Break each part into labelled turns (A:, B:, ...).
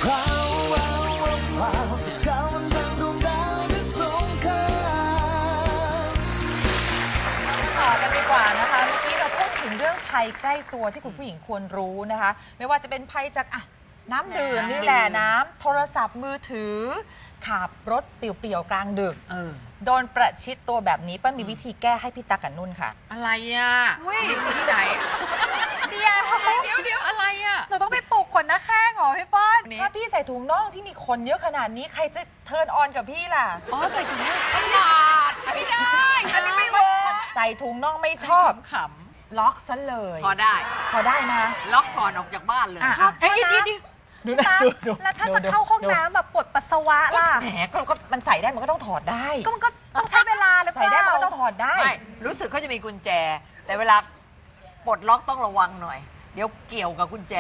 A: ต่อกันดีกว่านะคะเมื่อกี้เราพูดถึงเรื่องภัยใกล้ตัวที่คุณผู้หญิงควรรู้นะคะไม่ว่าจะเป็นภัยจากน้ำดื่มนี่แหละน้ำโทรศัพท์มือถือขับรถเปลี่ยวๆกลางดึกโดนประชิดตัวแบบนี้เปิ้ลมีวิธีแก้ให้พี่ตั๊กกับนุ่นค่ะ
B: อะไรอ่ะที่ไหน
C: เดี๋ยว
B: อะไรอ่ะ
C: เราต้องไปปลูกขนหน้าแข้งเหรอพี่ป้อน
A: ถ้าพี่ใส่ถุงน่องที่มีขนเยอะขนาดนี้ใครจะเทิร์นออนกับพี่ล่ะ
B: อ๋อใส่ถุงน่องไม่ได้อันนี้ไม่เวิร์ก
A: ใส่ถุงน่องไม่ชอบ
B: ข
A: ำล็อกซะเลย
B: พอได้
A: นะ
B: ล็อกก่อนออกจากบ้านเลย
A: ดูนะ
C: แล้วถ้าจะเข้าห้องน้ำแบบปวดปัสสาวะล่ะ
A: แหมก็มันใส่ได้มันก็ต้องถอดได้
C: ก็มันก็ต้องใช้เวลาหรือเปล่า
A: ใส่ได้มันก็ต้องถอดได้
B: ไม่รู้สึกเขาจะมีกุญแจแต่เวลาปลดล็อกต้องระวังหน่อยเดี๋ยวเกี่ยวกับกุญแจ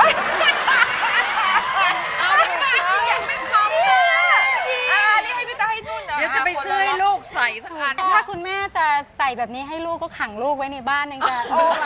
C: ยังไม่คำเลย
A: จริงนี่ให้พี่ตาให้นุ่นนะ
B: เดี๋ยวจะไปซื้อให้ลูกใส่ทั้งอัน
D: ถ้าคุณแม่จะใส่แบบนี้ให้ลูกก็ขังลูกไว้ในบ้านนึงจะ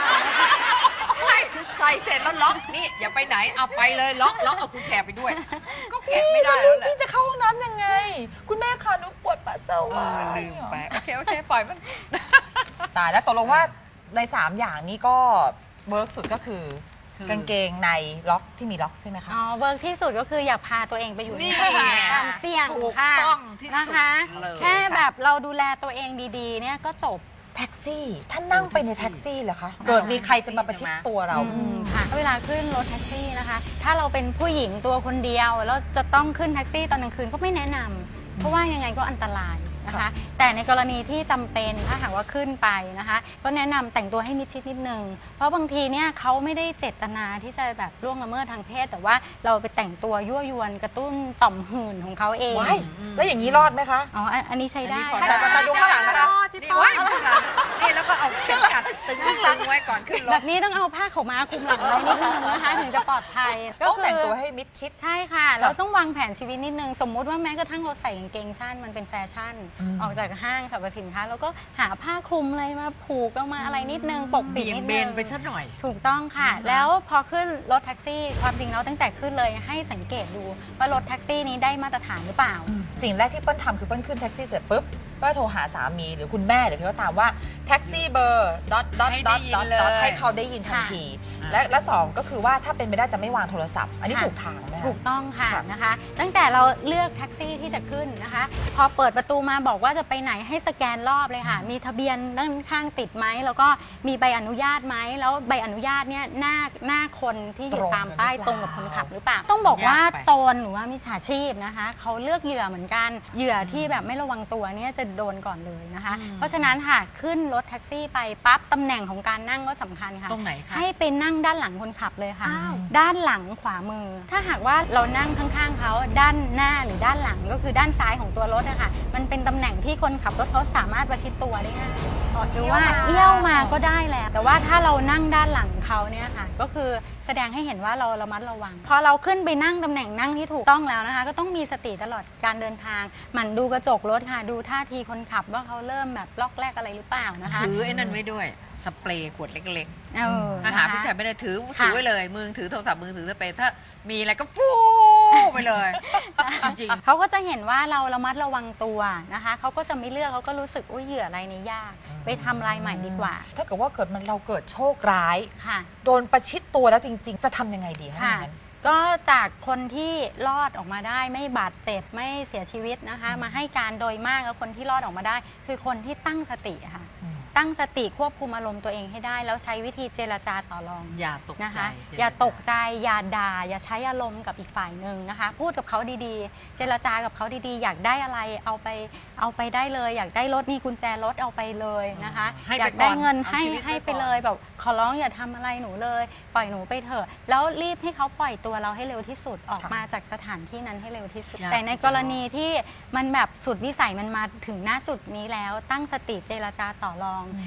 B: ใส่เสร็จแล้วล็อกนี่อย่าไปไหนเอาไปเลยล็อกเอากุญแจไปด้วยก็แกะไม่ได้แล้วแหละ
A: พี่จะเข้าห้องน้ำยังไงคุณแม่คะหนูปวดปัสสาวะ
B: ลืมไปโอเคปล่อยมัน
A: ตายแล้วตกลงว่าใน3อย่างนี้ก็เวิร์กสุดก็คือกางเกงในล็อกที่มีล็อกใช่ไหมคะ
D: อ๋อเวิร์กที่สุดก็คืออย่าพาตัวเองไปอยู่ในสถานการณ์เสี่ยงค่ะนะคะแค่แบบเราดูแลตัวเองดีๆเนี่ยก็จบ
A: แท็กซี่ท่านนั่งไปในแท็กซี่เหรอคะเกิดมีใครจะมาประชิดตัวเรา
D: ค่ะเวลาขึ้นรถแท็กซี่นะคะถ้าเราเป็นผู้หญิงตัวคนเดียวแล้วจะต้องขึ้นแท็กซี่ตอนกลางคืนก็ไม่แนะนำเพราะว่ายังไงก็อันตรายนะคะแต่ในกรณีที่จำเป็นถ้าหากว่าขึ้นไปนะคะก็แนะนำแต่งตัวให้มิดชิดนิดนึงเพราะบางทีเนี่ยเขาไม่ได้เจตนาที่จะแบบล่วงละเมิดทางเพศแต่ว่าเราไปแต่งตัวยั่วยวนกระตุ้นต่อมหื่นของเขาเอง
A: แล้วอย่างนี้รอดไหมคะ
D: อ๋ออันนี้ใช้ได้
A: แต่ดูข้างหลังนะคะ
B: นี่แล้วก็เอาเข็มขัดตึงไว้ก่อนขึ้นรถ
D: แบบนี้ต้องเอาผ้าขาวม้าคลุมหลังไว้นิดนึงนะคะถึงจะปลอดภัย
A: ต้องแต่งตัวให้มิดชิด
D: ใช่ค่ะเราต้องวางแผนชีวิตนิดนึงสมมุติว่าแม้กระทั่งเราใส่กางเกงสั้นมันเป็นแฟชั่นออกจากห้างสรรพสินค้าแล้วก็หาผ้าคลุมอะไรมาผูกออกมาอะไรนิดนึงปกปิดนิดนึง
B: ไปสักหน่อย
D: ถูกต้องค่ะแล้วพอขึ้นรถแท็กซี่ความจริงแล้วตั้งแต่ขึ้นเลยให้สังเกตดูว่ารถแท็กซี่นี้ได้มาตรฐานหรือเปล่า
A: สิ่งแรกที่เปิ้ลทำคือเปิ้ลขึ้นแท็กซี่เสร็จปุ๊บก็โทรหาสามีหรือคุณแม่หรือเขาถามว่าแท็กซี่เบอร์ดอทให้เขาได้ยินทันทีและสองก็คือว่าถ้าเป็นไปได้จะไม่วางโทรศัพท์อันนี้ถูกทางไหม
D: ถูกต้องค่ะนะคะตั้งแต่เราเลือกแท็กซี่ที่จะขึ้นนะคะพอเปิดประตูมาบอกว่าจะไปไหนให้สแกนรอบเลยค่ะมีทะเบียนด้านข้างติดไหมแล้วก็มีใบอนุญาตไหมแล้วใบอนุญาตเนี่ยหน้าคนที่อยู่ตามป้ายตรงกับคนขับหรือเปล่าต้องบอกว่าโจรหรือว่ามิจฉาชีพนะคะเขาเลือกเหยื่อเหมือนกันเหยื่อที่แบบไม่ระวังตัวเนี่ยจะโดนก่อนเลยนะคะเพราะฉะนั้นค่ะขึ้นรถแท็กซี่ไปปั๊บตำแหน่งของการนั่งก็สำคัญค่ะ
B: ตรงไหนคะ
D: ให้ไปนั่งด้านหลังคนขับเลยค่ะด้านหลังขวามือถ้าหากว่าเรานั่งข้างๆเขาด้านหน้าหรือด้านหลังก็คือด้านซ้ายของตัวรถนะคะมันเป็นตำแหน่งที่คนขับรถเขาสามารถประชิดตัวได้ง่ายหรือว่าเอี้ยวมาก็ได้แหละแต่ว่าถ้าเรานั่งด้านหลังเขาเนี่ยค่ะก็คือแสดงให้เห็นว่าเราระมัดระวังพอเราขึ้นไปนั่งตำแหน่งนั่งที่ถูกต้องแล้วนะคะก็ต้องมีสติตลอดการเดินทางหมั่นดูกระจกรถค่ะดูท่าทีคนขับว่าเขาเริ่มแบบล็อกแรกอะไรหรือเปล่านะคะ
B: ถือไอ้นั่นไว้ด้วยสเปรย์ขวดเล็กๆถ้าหาพี่ถ่ายไม่ได้ถือไว้เลยมือถือโทรศัพท์มือถือสเปรย์ถ้ามีอะไรก็ฟูไปเลยจริง
D: ๆเขาก็จะเห็นว่าเราระมัดระวังตัวนะคะเขาก็จะไม่เลือกเขาก็รู้สึกเหยื่ออะไรนี่ยากไปทำลายใหม่ดีกว่า
A: ถ้าเกิดว่าเราเกิดโชคร้ายโดนประชิดตัวแล้วจริงๆจะทำยังไงดีคะ
D: ก็จากคนที่รอดออกมาได้ไม่บาดเจ็บไม่เสียชีวิตนะคะมาให้การโดยมากแล้วคนที่รอดออกมาได้คือคนที่ตั้งสติค่ะตั้งสติควบคุมอารมณ์ตัวเองให้ได้แล้วใช้วิธีเจรจาต่อรอง
B: อย่าตกใจ
D: นะคะอย่าตกใจอย่าด่าอย่าใช้อารมณ์กับอีกฝ่ายหนึ่งนะคะพูดกับเขาดีๆเจรจากับเขาดีๆอยากได้อะไรเอาไปได้เลยอยากได้รถนี่กุญแจรถเอาไปเลยนะคะอยากได้เงินให้ไปเลยแบบขอร้องอย่าทำอะไรหนูเลยปล่อยหนูไปเถอะแล้วรีบให้เขาปล่อยตัวเราให้เร็วที่สุดออกมาจากสถานที่นั้นให้เร็วที่สุดแต่ในกรณีที่มันแบบสุดวิสัยมันมาถึงหน้าจุดนี้แล้วตั้งสติเจรจาต่อรอง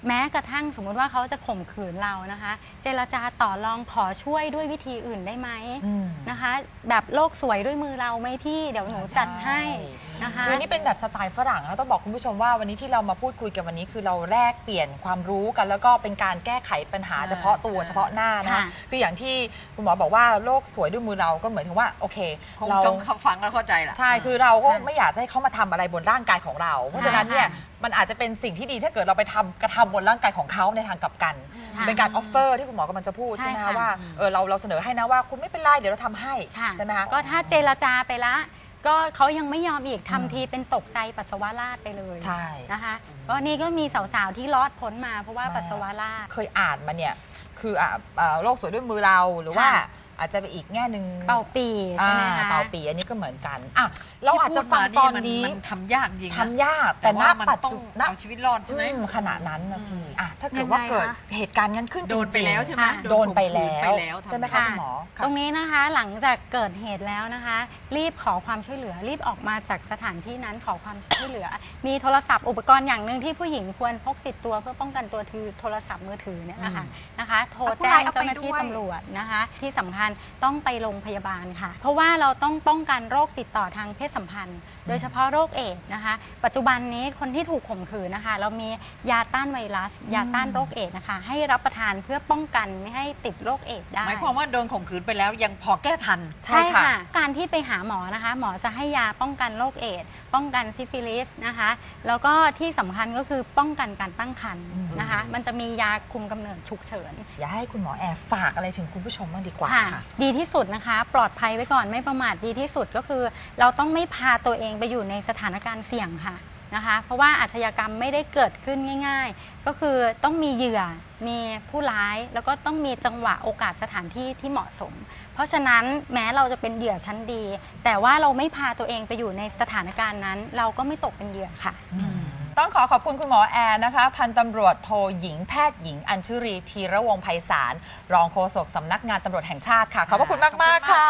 D: แม้กระทั่งสมมุติว่าเขาจะข่มขืนเรานะคะ เจรจาต่อรองขอช่วยด้วยวิธีอื่นได้ไหมนะคะ แบบโลกสวยด้วยมือเราไหมพี่เดี๋ยวหนูจัดให้นะคะ
A: คือนี่เป็นแบบสไตล์ฝรั่งนะต้องบอกคุณผู้ชมว่าวันนี้ที่เรามาพูดคุยกันวันนี้คือเราแลกเปลี่ยนความรู้กัน แล้วก็เป็นการแก้ไขปัญหาเฉพาะตัวเฉพาะหน้านะคืออย่างที่คุณหมอบอกว่าโลกสวยด้วยมือเราก็เหมือนถึงว่าโอเค
B: คงต้องฟังแล้วเข้าใจแหละ
A: ใช่คือเราก็ไม่อยากจะให้เขามาทำอะไรบนร่างกายของเรา เพราะฉะนั้นเนี่ยมันอาจจะเป็นสิ่งที่ดีถ้าเกิดเราไปกระทำบนร่างกายของเขาในทางกลับกัน เป็นการออฟเฟอร์ที่คุณหมอกำลังจะพูดใช่ไหมคะว่าเราเสนอให้นะว่าคุณไม่เป็นไรเดี๋ยวเราทำให้ใช่ไหมคะ
D: ก็ถ้าเจรจาไปละก็เขายังไม่ยอมอีกทำทีเป็นตกใจปัสสาวะราดไปเลย
A: ใช่
D: นะคะเพราะนี่ก็มีสาวๆที่รอดพ้นมาเพราะว่าปัสสาวะราด
A: เคยอ่านมาเนี่ยคือโลกสวยด้วยมือเราหรือว่าอาจจะไปอีกแง่หนึ่ง
D: เป่าปีใช่ไหมคะ
A: เป่าปีอันนี้ก็เหมือนกันอ่ะเราอาจจะฟังตอนนี้
B: มันทำยากจริงนะ
A: ทำยากแต่
B: แต่
A: ณ
B: ว่ามัน
A: ปัจ
B: ต้อง
A: จุบัน
B: เอาชีวิตรอดใช่ไหม
A: ขณะนั้นนะพี่ถ้าเกิดว่าเกิดเหตุการณ์งั้นขึ้นจริงๆ
B: โดนไปแล้วใช่ไหม
A: โดนไปแล้
B: โดนข่มขืนไป
A: ว
B: แล้ว
A: ใช่ไหมคะคุณหมอ
D: ตรงนี้นะคะหลังจากเกิดเหตุแล้วนะคะ รีบขอความช่วยเหลือรีบออกมาจากสถานที่นั้นขอความช่วยเหลือ มีโทรศัพท์อุปกรณ์อย่างหนึ่งที่ผู้หญิงควรพกติดตัวเพื่อป้องกันตัวคือโทรศัพท์มือถือเนี่ยนะคะโทรแจ้งเจ้าหน้าที่ตำรวจนะคะที่สำคัญต้องไปโรงพยาบาลค่ะ เพราะว่าเราต้องป้องกันโรคติดต่อทางเพศสัมพันธ์ โดยเฉพาะโรคเอดส์นะคะปัจจุบันนี้คนที่ถูกข่มขืนนะคะเรามียาต้านไวรัสยาต้านโรคเอดส์นะคะให้รับประทานเพื่อป้องกันไม่ให้ติดโรคเอดส์ได้
B: หมายความว่าโดนข่มขืนไปแล้วยังพอแก้ทัน
A: ใช่
D: ใช่
A: ค่ะ
D: ค่ะ การที่ไปหาหมอนะคะ หมอจะให้ยาป้องกันโรคเอดส์ป้องกันซิฟิลิสนะคะ แล้วก็ที่สำคัญก็คือป้องกันการตั้งครรภ์นะคะ มันจะมียาคุมกำเนิดฉุกเฉิน
A: อยากให้คุณหมอแอร์ฝากอะไรถึงคุณผู้ชมบ้างดีกว่า
D: ค่ะ
A: ค่ะ
D: ดีที่สุดนะคะ ปลอดภัยไว้ก่อนไม่ประมาทดีที่สุดก็คือ เราต้องไม่พาตัวเองไปอยู่ในสถานการณ์เสี่ยงค่ะนะคะ เพราะว่าอาชญากรรมไม่ได้เกิดขึ้นง่าย ๆ ก็คือต้องมีเหยื่อมีผู้ร้ายแล้วก็ต้องมีจังหวะโอกาสสถานที่ที่เหมาะสม เพราะฉะนั้นแม้เราจะเป็นเหยื่อชั้นดี แต่ว่าเราไม่พาตัวเองไปอยู่ในสถานการณ์นั้น เราก็ไม่ตกเป็นเหยื่อค่ะ
A: ต้องขอบคุณคุณหมอแอร์นะคะพันตำรวจโทหญิงแพทย์หญิงอัญชุรีธีระวงศ์ไพศาลรองโฆษกสำนักงานตำรวจแห่งชาติค่ะขอบพระคุณมากๆค่ะ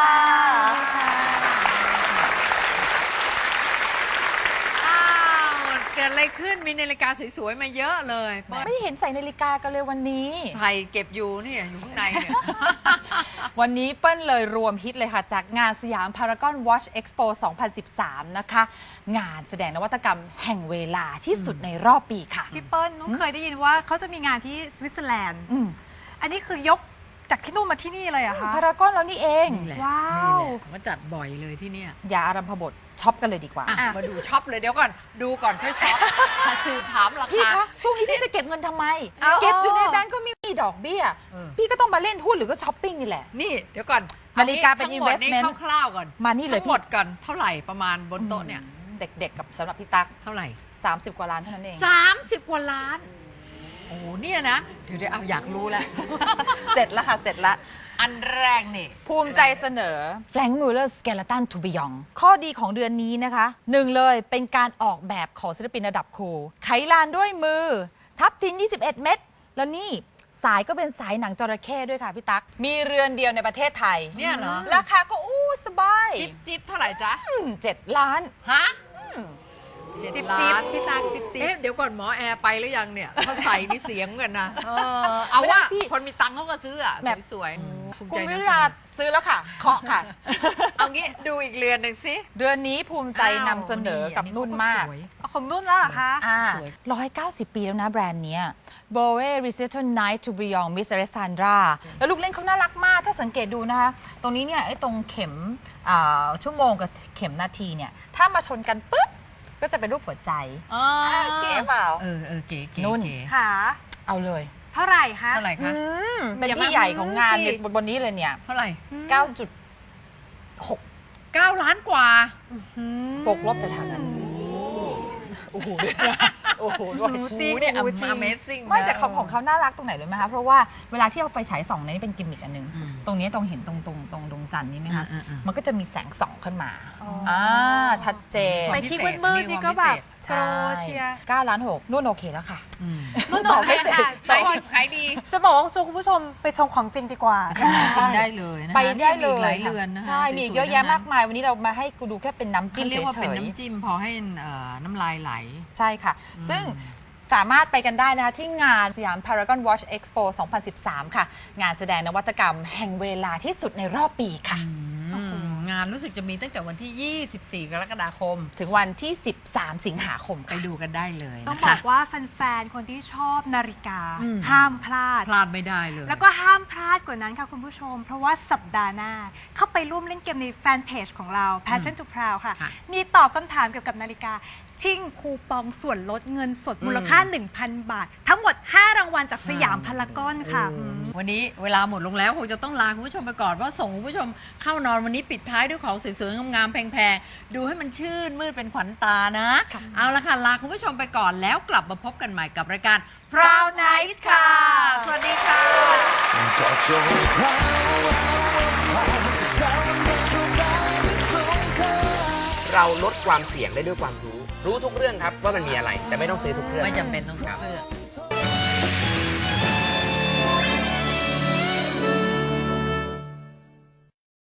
B: อ้าวเกิดอะไรขึ้นมีนาฬิกาสวยๆมาเยอะเลย
A: ไม่ได้เห็นใส่นาฬิกากันเลยวันนี้
B: ใส่เก็บอยู่เนี่ยอยู่ข้างในเนี่ย
A: วันนี้เปิ้ลเลยรวมฮิตเลยค่ะ จากงานสยามพารากอนวอชเอ็กซ์โป 2013 นะคะ งานแสดงนวัตกรรมแห่งเวลาที่สุดในรอบปีค่ะ
C: พี่เปิ้ลนุ้งเคยได้ยินว่าเขาจะมีงานที่สวิตเซอร์แลนด์
A: อืม
C: อันนี้คือยกจากที่นู่นมาที่นี่เลยเหรอะคะ
A: พารากอนแล้วนี่เอง
B: นี่แหละ
C: ว้าว
B: นี่แหละมาจัดบ่อยเลยที่เนี่ย
A: อย่าอารัมพบทช็อปกันเลยดีกว่า
B: อ่ะมาดูช็อปเลยเดี๋ยวก่อนดูก่อนค่อยช็อปถ้าสืบถามรา
A: พี่
B: คา
A: คะช่วงนี้พี่จะเก็บเงินทำไม
C: เอา
A: เก็บอยู่ในแบงก์ก็ไม่มีดอกเบี้ย
B: เออ
A: พี่ก็ต้องมาเล่นหุ้นหรือก็ช้อปปิ้งนี่แหละ
B: นี่เดี๋ยวก่อน
A: นาฬิกาเป็น
B: ทั้งหมด
A: investment
B: คร่าวๆก่อน
A: มานี่เลย
B: ทั้งหมดก่อนเท่าไหร่ประมาณบนโต๊ะเนี่ย
A: เด็กๆกับสำหรับพี่ตั๊ก
B: เท่าไหร่
A: 30 กว่าล้านเท่านั้นเอง
B: 30 กว่าล้าน โอ้โหเนี่ยนะ เดี๋ยวเอาอยากรู้แล้ว
A: เสร็จแล้วค่ะ เสร็จแล้ว
B: อันแรกนี่
A: ภูมิใจเสนอ Frank Muller Skeleton to Beyond ข้อดีของเดือนนี้นะคะหนึ่งเลยเป็นการออกแบบของศิลปินระดับครูไขลานด้วยมือ ทับทิน 21 เม็ดแล้วนี่สายก็เป็นสายหนังจระเข้ด้วยค่ะพี่ตั๊ก มีเรือนเดียวในประเทศไทย
B: เนี่ยเหรอ
A: ราคาก็สบาย
B: จิ๊บเท่าไหร่จ๊ะ
A: 7 ล้าน
B: ฮะ
C: จิ๊บ
B: 7
C: จิ๊
B: ล้า
C: บ
B: น
C: พี่ตักจิ๊บจิ๊บ
B: เอ๊ะเดี๋ยวก่อนหมอแอร์ไปหรือยังเนี่ย ถ้าใส่นี่เสียงกันนะเอาว่า
A: ไม่ได้พี่
B: คนมีตังค์เขาก็ซื้ออะ
A: แบบ
B: สวยๆภูมิ
A: คุ
B: ใจ
A: ณวิ
B: นะ
A: ราซื้อแล้วค่ะ เคาะค่ะ
B: เอางี้ดูอีกเรือนหนึ่งสิ
A: เดือนนี้ภูมิใจนำเสนอกับนุ่นมาก
B: สวย
C: เอาของนุ่นแล้วเหรอคะ
B: สวย
A: 190 ปีแล้วนะแบรนด์เนี้ย Bowie Recital Night to Beyond Miss Alessandra แล้วลูกเล่นเขาน่ารักมาก ถ้าสังเกตดูนะคะ ตรงนี้เนี่ยไอ้ตรงเข็มชั่วโมงกับเข็มนาทีเนี่ย ถ้ามาชนกันปุ๊บ ก็จะเป็นรูปหัวใจ
B: อ๋อ
A: เก๋เปล่า
B: เออเก๋เก๋
A: นุ่น
B: เก๋
C: ค่ะ
A: เอาเลย
C: เท่าไหร่คะ
B: เท่าไหร่คะ
A: เป็น
C: อย่ามา
A: พี่ใหญ่ของงาน
C: สิ
A: เนี่ยบนนี้เลยเนี่ย
B: เท่าไหร่
A: 9.6
B: 9 ล้านกว่า
A: บวกลบแต่ฐานนั้นโอ้โหโอ้โหด้วย
C: จริง
B: เนี่ย
C: โอ้จริง
B: Amazing
A: ไม่
B: นะ
A: แต่ของเขาน่ารักตรงไหนเลยไหมคะ เพราะว่าเวลาที่เอาไฟฉายส่องเนี่ยนี่เป็นกิมมิกอันหนึง
B: อืม
A: ตรงนี้ตรงเห็นตรงดวงจันทร์นี่ไหมคะ
B: อืม
A: มันก็จะมีแสงส่องขึ้นมา
C: อ๋ออ่
A: ชัดเจน
C: ไปที่มืดๆนี่ก็แบบโกรเชียร์
A: 9 ล้าน 6นุ่นโอเคแล้วค่ะ
B: อืม
C: นุ่นบอกให้ค่ะ
B: ขายดิบขายดี
C: จะบอกว่าชวนคุณผู้ชมไปชมของจริงดีกว่า
B: จริงๆได้เลยนะคะ
A: ไปได้เล
B: นี่มีอีกห
A: ย
B: ลายเรือนนะคะ
A: ใช่มีอีกเยอะ
B: สวๆ
A: แยะ
B: ทั้งนั้น
A: มากมาย วันนี้เรามาให้กูดูแค่เป็นน้ำจิ้
B: เขา
A: ม
B: เรียกว่า
A: เฉ
B: เป็น
A: ย
B: น้ำจิ้มพอให้น้ำลายไหล
A: ๆใช่ค่ะ ซึ่งสามารถไปกันได้นะคะที่งานสยาม Paragon Watch Expo 2013 ค่ะ งานแสดงนวัตกรรมแห่งเวลาที่สุดในรอบปีค่ะ
B: งานรู้สึกจะมีตั้งแต่วันที่ 24 กรกฎาคม
A: ถึงวันที่ 13 สิงหาคม
B: ไป
A: ค่ะ
B: ดูกันได้เลย
C: ต้อง
B: นะ
C: บอ
B: คะ
C: กว่าแฟนๆ คนที่ชอบนาฬิกา
A: อืม
C: ห้ามพลาด
B: พลาดไม่ได้เลย
C: แล้วก็ห้ามพลาดกว่านั้นค่ะคุณผู้ชม เพราะว่าสัปดาห์หน้า เข้าไปร่วมเล่นเกมในแฟนเพจของเรา Passion to Proud ค่ะ
B: ค่ะ
C: มีตอบคำถามเกี่ยวกับนาฬิกา ชิ่งคูปองส่วนลดเงินสดมูลค่า 1,000 บาท ทั้งหมด 5 รางวัลจากสยามพารากอนค่ะ
B: วันนี้เวลาหมดลงแล้วคงจะต้องลาคุณผู้ชมไปก่อนเพราะส่งคุณผู้ชมเข้านอนวันนี้ปิดท้ายด้วยของสวยๆงามๆแพงๆดูให้มันชื่นมืดเป็นขวัญตานะ เอาละค่ะลาคุณผู้ชมไปก่อนแล้วกลับมาพบกันใหม่กับรายการ Proud Night ค่ะ สวัสดีค่ะ
E: Got your crown
F: เราลดความเสี่ยงได้ด้วยความรู้ รู้ทุกเรื่องครับว่ามันมีอะไร แต่ไม่ต้องซื้อทุกเรื่อง
B: ไม่จำเป็นต้องทุกเรื่อง